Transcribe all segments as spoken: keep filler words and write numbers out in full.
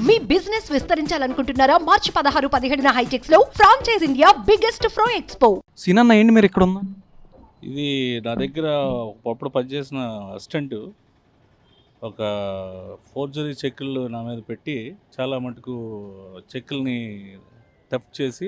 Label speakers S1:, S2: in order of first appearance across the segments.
S1: మీ business విస్తరించాలనుకుంటున్నారా? మార్చి పదహారు పదిహేడున హైటెక్స్ లో ఫ్రాంచైజ్ ఇండియా బిగ్గెస్ట్ ఫ్రో ఎక్స్పో.
S2: సీనన్న ఏంటి మీరు ఇక్కడ ఉన్నా?
S3: ఇది నా దగ్గర ఒకప్పుడు పనిచేసిన అసిస్టెంట్ ఒక ఫోర్జరీ చెక్కులు నా మీద పెట్టి చాలా మటుకు చెక్కుల్ని థెఫ్ట్ చేసి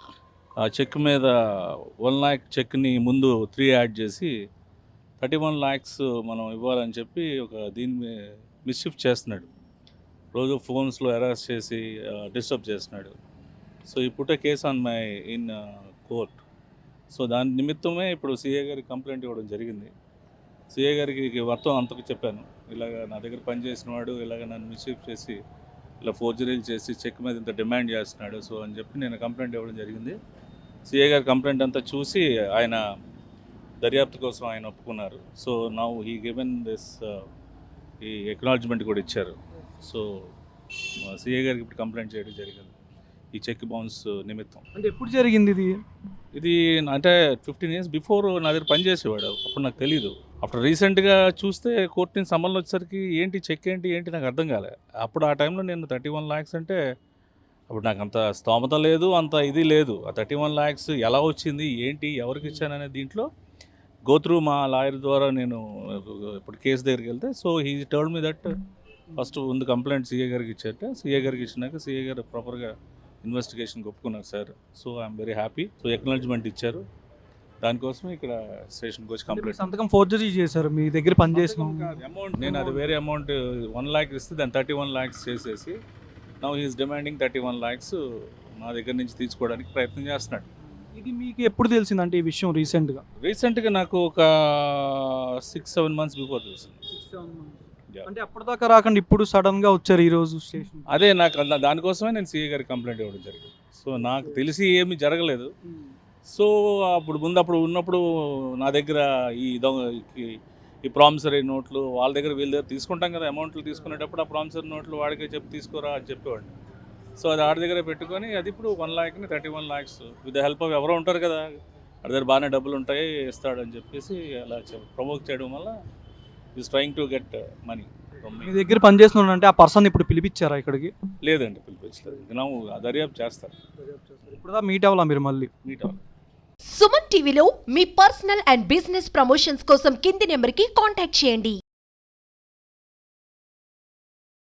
S3: ఆ చెక్ మీద వన్ ల్యాక్ చెక్ని ముందు త్రీ యాడ్ చేసి థర్టీ వన్ ల్యాక్స్ మనం ఇవ్వాలని చెప్పి ఒక దీన్ని మిస్షిఫ్ చేస్తున్నాడు. రోజు ఫోన్స్లో అరెస్ట్ చేసి డిస్టర్బ్ చేస్తున్నాడు. So he put case on my in court. So దాని నిమిత్తమే ఇప్పుడు సిఏ గారికి కంప్లైంట్ ఇవ్వడం జరిగింది. సిఏ గారికి మొత్తం అంతకు చెప్పాను, ఇలాగ నా దగ్గర పనిచేసిన వాడు ఇలాగ నన్ను మిస్షిఫ్ చేసి ఇలా ఫోర్జరీలు చేసి చెక్ మీద ఇంత డిమాండ్ చేస్తున్నాడు సో అని చెప్పి నేను కంప్లైంట్ ఇవ్వడం జరిగింది. సిఏ గారి కంప్లైంట్ అంతా చూసి ఆయన దర్యాప్తు కోసం ఆయన ఒప్పుకున్నారు. So now he given this ఈ ఎక్నాలజ్మెంట్ కూడా ఇచ్చారు. సో సిఏ గారికి ఇప్పుడు కంప్లైంట్ చేయడం జరిగింది ఈ చెక్ బౌన్స్ నిమిత్తం.
S2: అంటే ఎప్పుడు జరిగింది ఇది?
S3: ఇది అంటే ఫిఫ్టీన్ ఇయర్స్ బిఫోర్ నా దగ్గర పనిచేసేవాడు, అప్పుడు నాకు తెలీదు. అప్పుడు రీసెంట్గా చూస్తే కోర్టు నుంచి సంబంధం వచ్చేసరికి ఏంటి చెక్ ఏంటి ఏంటి నాకు అర్థం కాలే. అప్పుడు ఆ టైంలో నేను థర్టీ వన్ ల్యాక్స్ అంటే అప్పుడు నాకు అంత స్తోమత లేదు, అంత ఇది లేదు. ఆ థర్టీ వన్ ల్యాక్స్ ఎలా వచ్చింది ఏంటి ఎవరికి ఇచ్చాననే దీంట్లో గోత్రూ మా లాయర్ ద్వారా నేను ఇప్పుడు కేసు దగ్గరికి వెళ్తే so he told me that first ముందు కంప్లైంట్ సీఏ గారికి ఇచ్చారట. సీఏ గారికి ఇచ్చినాక సీఏ గారు ప్రాపర్గా ఇన్వెస్టిగేషన్కి ఒప్పుకున్నారు sir. So I'm very happy. So acknowledgement ఇచ్చారు, దానికోసం ఇక్కడ స్టేషన్కి వచ్చి కంప్లైంట్.
S2: సంతకం ఫోర్జరీ చేశారు మీ దగ్గర పనిచేసిన
S3: అమౌంట్ నేను అది వేరే అమౌంట్ వన్ ల్యాక్ ఇస్తే దాన్ని థర్టీ వన్ ల్యాక్స్ చేసేసి now he is demanding thirty one lakhs నా దగ్గర నుంచి తీసుకోవడానికి ప్రయత్నం చేస్తున్నాడు.
S2: ఇది మీకు ఎప్పుడు తెలిసిందంటే ఈ విషయం? రీసెంట్గా
S3: రీసెంట్గా నాకు ఒక సిక్స్ సెవెన్ మంత్స్ బిఫోర్ తెలిసింది.
S2: అంటే అప్పటిదాకా రాకుండా ఇప్పుడు సడన్గా వచ్చారు ఈరోజు స్టేషన్?
S3: అదే నాకు అలా దానికోసమే నేను సీఏ గారికి కంప్లైంట్ ఇవ్వడం జరిగింది. సో నాకు తెలిసి ఏమీ జరగలేదు. సో అప్పుడు ముందు అప్పుడు ఉన్నప్పుడు నా దగ్గర ఈ దొంగ ఈ ప్రామిసరీ నోట్లు వాళ్ళ దగ్గర వీళ్ళ దగ్గర తీసుకుంటాం కదా, అమౌంట్లు తీసుకునేటప్పుడు ఆ ప్రామిసరీ నోట్లు వాడికే చెప్పి తీసుకోరా అని చెప్పేవాడిని. సో అది ఆడి దగ్గర పెట్టుకొని అది ఇప్పుడు వన్ ల్యాక్ని thirty one lakhs with the help of ఎవరో ఉంటారు కదా, వాడి దగ్గర బాగానే డబ్బులు ఉంటాయి ఇస్తాడు అని చెప్పేసి అలా ప్రమోట్ చేయడం వల్ల is trying to get money.
S2: మీ దగ్గర పనిచేస్తున్నాడు అంటే ఆ పర్సన్ ఇప్పుడు పిలిపించారా ఇక్కడికి?
S3: లేదండి, పిలిపించలేదు. ನಾವು దర్యాప్తు చేస్తారు.
S2: ఇప్పుడు మీట్ అవ్వాలా మీరు? మళ్ళీ
S3: మీట్ అవ్వాలి.
S1: సుమన్ టీవీలో మీ పర్సనల్ అండ్ బిజినెస్ ప్రమోషన్స్ కోసం కింది నెంబర్కి కాంటాక్ట్ చేయండి.